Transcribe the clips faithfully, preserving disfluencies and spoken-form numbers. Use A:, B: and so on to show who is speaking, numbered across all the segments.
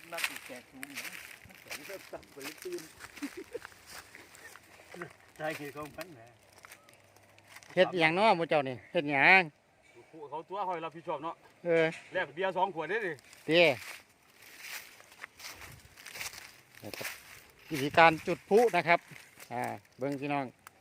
A: นักแก่สูงเนี่ยมันแก่เริ่มต่ำไปเลยตื่นใจเกี่ยวกับมันนะ
B: เฮ็ดอย่างเนาะหมู่เจ้านี่เฮ็ดหยัง
C: เขาตัวคอยรับผิดชอบเนาะ
B: เออ
C: แลกเบียร์สองขวดได้ดิ
B: เด้วิธีการจุดพลุนะครับอ่าเบิ่งพี่น้อง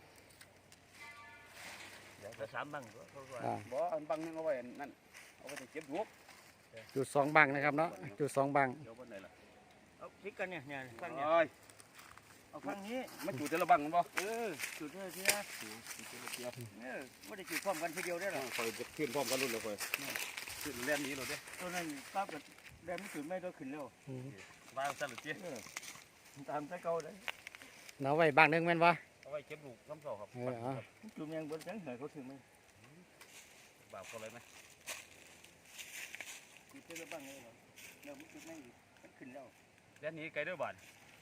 A: เดี๋ยวจะสามบังก็เขาว่า
B: อ่า
C: บ่อันบังนึงเอาไว้นั่นเอาไว้เก็บลูก
B: จุดสองบังนะครับเนาะจุดสองบัง
C: เดี๋ยวบนไหนล่ะ
A: เอาพลิกกันเนี่ยเนี่ยข้างเนี่ย
C: โอ้ย
A: เอาข้างนี้
C: มันจุดแต่ละบังมันบ่
A: เออจุดเลยทีนะเออไม่ได้จุดพร้อมกันทีเดียวได้หรอ
C: คอยจะขึ้นพร้อมกันรุ่นเลยคอยขึ้นแล่นนี้เลยเด้
A: ตอนนั้นป้ากับแดงไม่จุดไม่ได้ขึ้นแล้ว
B: อืม
C: มาสั่นหรือเจี๊ย
A: ตามตะเกาเลย
B: เอาไว้บังหนึงแม่นบ่
C: เอาไว้เก็บลูกน้ำเสาครับ
B: เออเอา
A: จุดยังบนจังเหนื่อยเขาถึงไหม
C: บาปเขาเลยไหม
A: จุดเจอบ้างเลยเหรอเดี๋ยวมันจุดไม่มันขึ้นแล้ว
C: แล่นนี้ไกลเด้อบาน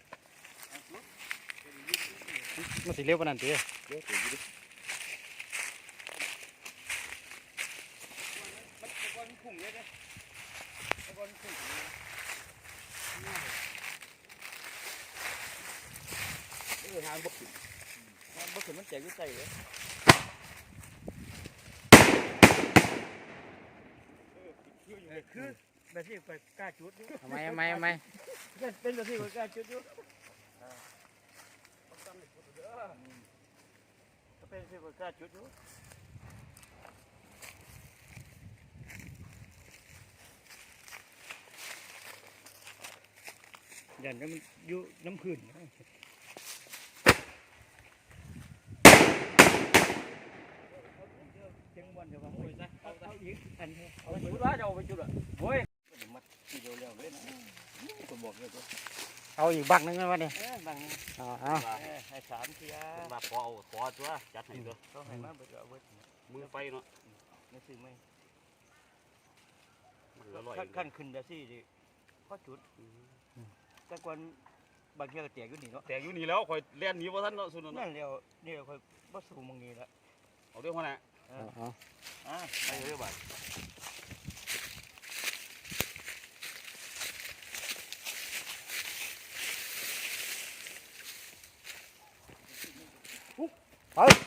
B: มันสิเร็วปานนั้นติ
C: เดี๋ยวเดี๋ยวดิ
A: มันตะกอนพุ่งเลยนะตะกอนพุ่งเออหางบกขึ้นหางบกขึ้นมันแตกอยู่ใจเลยคือแบบที่ไปกล้าจุดอยู่
B: เอาไหมเอาไหมเอาไหม
A: เป็นแบบที่ไปกล้าจุดอยู่ก็เป็นที่ไปกล้าจุดอยู่ยันก็มันอยู่น้ำพื้นจังวันเดี๋ยวว่าเอาเอาอีกอันเอาไปจุดว่าจะเอาไปจุดอ่ะโว้ยมัดทีเดียวแล้วเลยนะผมบอกเลยตัว
B: เอาอีกบังหนึงแม่นบ่นี่
A: เออบาง
B: เอาเอา
A: ให้สามเทีย
C: มาขอเอาขอตัวจัดให้ตัว
A: เขาให้มาไปเอาไว้
C: มือไฟเนาะ
A: ไม่ซื้อไม่
C: มันอร่อย
A: ขั้นขึ้นแบบซี่ดิพอจุดแต่ก่อนบางทีก็แตกอยู่นี่เนาะ
C: แต่อยู่นี่แล้วคอยแล่นนี้ว่าท่านเนาะสุนทร
A: นั่นเดียวนี่ค่อยบ่สูงมองนี้ละ
C: เอาเรื่องว่าน่ะ
B: เอาเอา
A: อ่า
C: ไปเรื่อยบาท
B: ไป